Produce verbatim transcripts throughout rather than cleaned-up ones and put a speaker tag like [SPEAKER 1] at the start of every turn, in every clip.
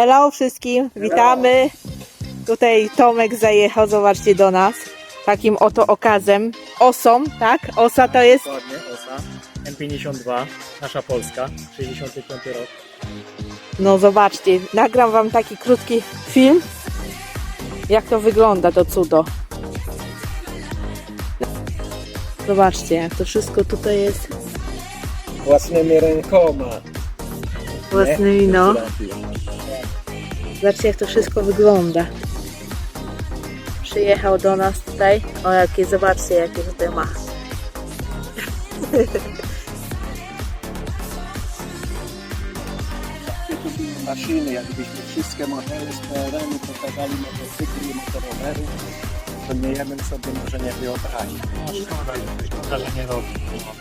[SPEAKER 1] Hello wszystkim, witamy. Tutaj Tomek zajechał, zobaczcie, do nas. Takim oto okazem. Osą, tak? Osa to jest...
[SPEAKER 2] Dokładnie, Osa. M pięćdziesiąt dwa, nasza Polska, sześćdziesiąty piąty rok.
[SPEAKER 1] No zobaczcie, nagram wam taki krótki film. Jak to wygląda, to cudo. Zobaczcie, jak to wszystko tutaj jest.
[SPEAKER 3] Własnymi rękoma.
[SPEAKER 1] Własnymi, no. Zobaczcie, jak to wszystko wygląda. Przyjechał do nas tutaj. O, jakie, zobaczcie, jakie tutaj ma.
[SPEAKER 3] Maszyny, jakbyśmy wszystkie modele z P R L-u pokazali motocykli i motorowery, to nie ja bym sobie może nie wyobraził.
[SPEAKER 2] No szkoda, szkoda, że nie robi.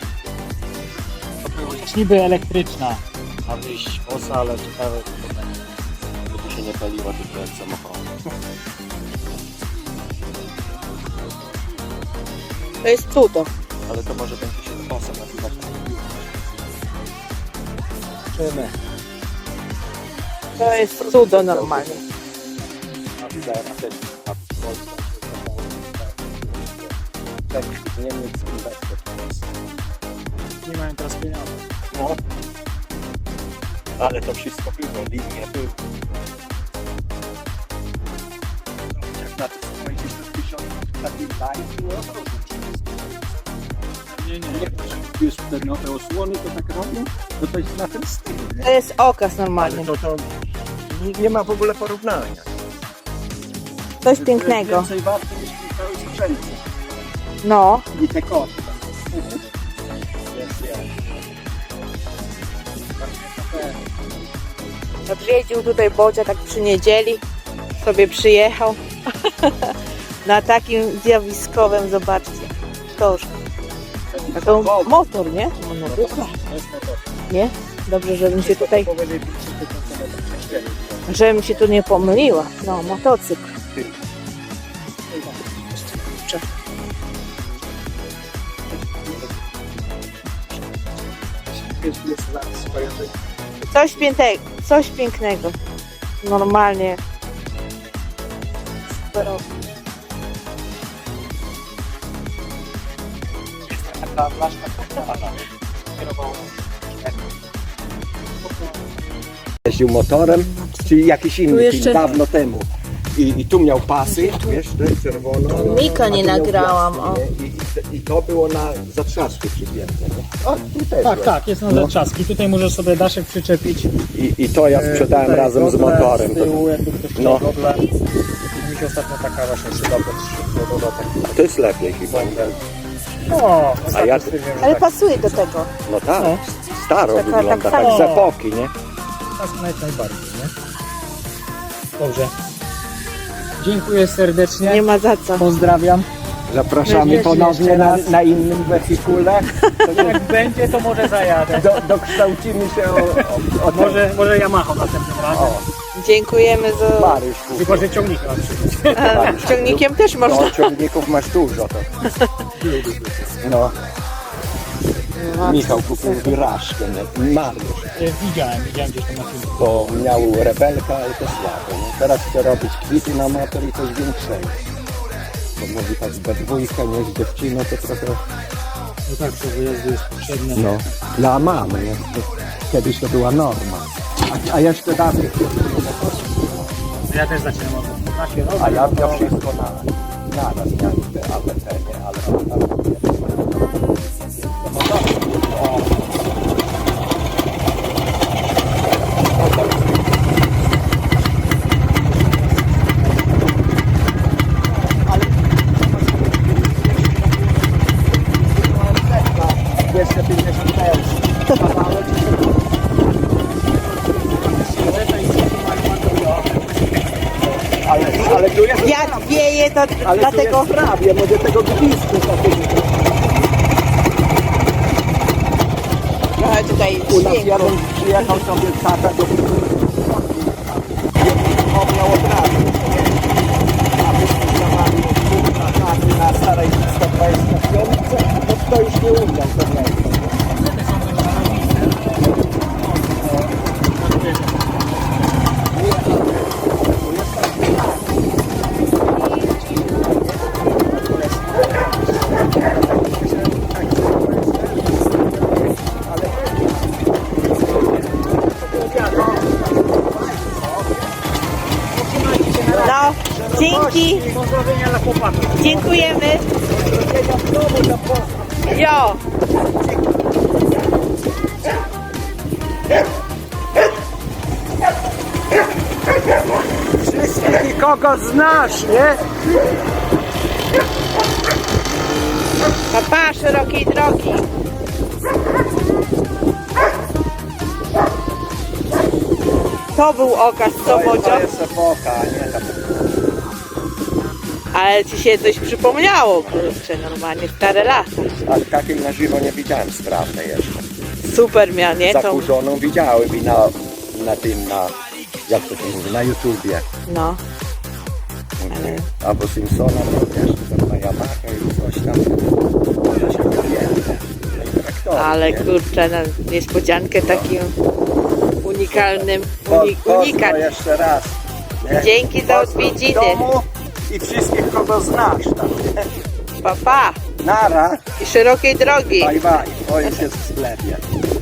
[SPEAKER 2] To była już niby elektryczna, ma wyjść Osa, ale ciekawe co to będzie.
[SPEAKER 3] Żeby się nie paliła tylko jak samochód.
[SPEAKER 1] To jest cudo.
[SPEAKER 3] Ale to może będzie się Osa nazywać. Czymy.
[SPEAKER 1] To jest cudo normalnie.
[SPEAKER 3] A widziałem też na Polsce. Tak, Niemiec inwestor.
[SPEAKER 2] Nie mają teraz pieniędzy.
[SPEAKER 3] No. Ale to wszystko było, linie były. Jak na to spojrzysz, to tysiąc takich lajów było
[SPEAKER 2] Nie, nie.
[SPEAKER 3] Nie, że już te nowe osłony to tak robią, to to jest na ten styl, nie?
[SPEAKER 1] To jest okaz normalnie.
[SPEAKER 3] Ale to, to nie, nie ma w ogóle porównania.
[SPEAKER 1] Coś
[SPEAKER 3] To
[SPEAKER 1] pięknego.
[SPEAKER 3] jest więcej warte niż ten cały sprzęt.
[SPEAKER 1] No.
[SPEAKER 3] I te koty. Jest, jest.
[SPEAKER 1] Odwiedził tutaj Bodzia tak przy niedzieli. Sobie przyjechał. Na takim zjawiskowym, zobaczcie. Tożku. A to motor, nie? No,
[SPEAKER 3] To jest motor.
[SPEAKER 1] nie? Dobrze, żebym się tutaj,
[SPEAKER 3] Powiedzieli, że to są
[SPEAKER 1] żebym się tu nie pomyliła. No, motocykl.
[SPEAKER 3] jest zaraz skojarzenie.
[SPEAKER 1] Coś pięknego, coś pięknego. Normalnie. Superowo.
[SPEAKER 3] Taka blaszka kierował. Jeździł motorem, czyli jakiś inny
[SPEAKER 1] jeszcze-
[SPEAKER 3] film, dawno temu. I, I tu miał pasy, wiesz, to jest czerwono.
[SPEAKER 1] Mika
[SPEAKER 3] a tu
[SPEAKER 1] nie
[SPEAKER 3] miał
[SPEAKER 1] nagrałam,
[SPEAKER 3] piasty, nie? I, i, I to było na zatrzasku przypięte. nie? O, tu też
[SPEAKER 2] Tak,
[SPEAKER 3] jest.
[SPEAKER 2] tak, jest na
[SPEAKER 3] No.
[SPEAKER 2] zaczaski. Tutaj możesz sobie daszek przyczepić.
[SPEAKER 3] I, I to ja sprzedałem
[SPEAKER 2] Tutaj
[SPEAKER 3] razem z
[SPEAKER 2] gogle
[SPEAKER 3] motorem.
[SPEAKER 2] Z tyłu, jakby ktoś chciał
[SPEAKER 3] No.
[SPEAKER 2] gogle. Mi się ostatnio taka właśnie szyba pod
[SPEAKER 3] To, to jest lepiej chyba.
[SPEAKER 2] O, ostatnio
[SPEAKER 3] ja-
[SPEAKER 2] stwierdziłem, że
[SPEAKER 1] Ale
[SPEAKER 2] tak.
[SPEAKER 1] pasuje do tego.
[SPEAKER 3] No tak,
[SPEAKER 2] No.
[SPEAKER 3] staro
[SPEAKER 1] Taka-
[SPEAKER 3] wygląda,
[SPEAKER 1] tak
[SPEAKER 3] tak,
[SPEAKER 2] samo.
[SPEAKER 3] z epoki, nie?
[SPEAKER 2] Tak naj- najbardziej, nie? Dobrze. Dziękuję serdecznie.
[SPEAKER 1] Nie ma za co.
[SPEAKER 2] Pozdrawiam.
[SPEAKER 3] Zapraszamy
[SPEAKER 2] Jeszcze
[SPEAKER 3] ponownie na,
[SPEAKER 2] raz.
[SPEAKER 3] na innym wehikule.
[SPEAKER 2] Jak będzie, to może zajadę.
[SPEAKER 3] Do, dokształcimy się o, o, o tym.
[SPEAKER 2] Może, może Yamaha następnym razem.
[SPEAKER 3] O,
[SPEAKER 1] Dziękujemy za...
[SPEAKER 3] Paryż
[SPEAKER 2] Tylko, że ciągnik mam przyjść.
[SPEAKER 1] A, ciągnikiem też można.
[SPEAKER 3] No, ciągników masz dużo. To. No, Michał kupił wyrażkę, nie? Mariusz,
[SPEAKER 2] Widziałem, widziałem gdzieś tam na filmie.
[SPEAKER 3] bo miał rebelka, ale to słabo. Nie? Teraz chce robić kwity na motor i coś większego. Bo mówi tak we dwójkę, nie z dziewczyną, to trochę...
[SPEAKER 2] No tak, to wyjazdy jest potrzebne.
[SPEAKER 3] No, dla mamy, nie? To, kiedyś to była norma. A, a jeszcze dawniej...
[SPEAKER 2] Ja też zaczynam od na kierowcę.
[SPEAKER 3] A ja miał wszystko na, naraz, miałem te A B C, nie? Ale on tam... No dobrze. O. dwieście pięćdziesiąt kawałek. Ale, ale tu jest
[SPEAKER 1] Jak wieje, to
[SPEAKER 3] ale
[SPEAKER 1] dlatego...
[SPEAKER 3] tu jest prawie, może tego gwizdku takiego.
[SPEAKER 1] Trochę tutaj
[SPEAKER 3] U nas
[SPEAKER 1] dźwięku.
[SPEAKER 3] jeden przyjechał sobie tata do on miał od razu. A myśmy dawali od na starej sto dwadzieścia pięć, to to już nie umiał to miejsce. Nie,
[SPEAKER 1] Dzięki.
[SPEAKER 2] Pozdrowienia dla chłopaków.
[SPEAKER 1] Dziękujemy.
[SPEAKER 3] Pozdrowienia w domu dla pozdrow.
[SPEAKER 1] Jo.
[SPEAKER 3] Wszystkich i kogo znasz, nie?
[SPEAKER 1] Papa, szerokiej drogi. To był okaz, co
[SPEAKER 3] To jest-
[SPEAKER 1] Bodzio?
[SPEAKER 3] To jest epoka, a nie ta.
[SPEAKER 1] Ale ci się coś przypomniało, kurczę, normalnie stare lata.
[SPEAKER 3] A takiej na żywo nie widziałem sprawnej jeszcze.
[SPEAKER 1] Super miał, nie? To,
[SPEAKER 3] Zakurzoną widziałem i na, na tym, na, jak to się mówi, na YouTubie.
[SPEAKER 1] no, ale
[SPEAKER 3] Albo Simpsona, to wiesz, tam na Yamaha i coś tam. To się wywięte. No i traktory,
[SPEAKER 1] ale
[SPEAKER 3] nie?
[SPEAKER 1] kurczę, no, niespodziankę takim unikalnym,
[SPEAKER 3] Po-
[SPEAKER 1] uni,
[SPEAKER 3] pozdro
[SPEAKER 1] unikat.
[SPEAKER 3] jeszcze raz. nie?
[SPEAKER 1] Dzięki za
[SPEAKER 3] Pozdro w
[SPEAKER 1] odwiedziny.
[SPEAKER 3] domu i wszystkich, kogo znasz tam. nie?
[SPEAKER 1] Papa
[SPEAKER 3] Nara,
[SPEAKER 1] i szerokiej drogi.
[SPEAKER 3] bye bye, ojciec w sklepie.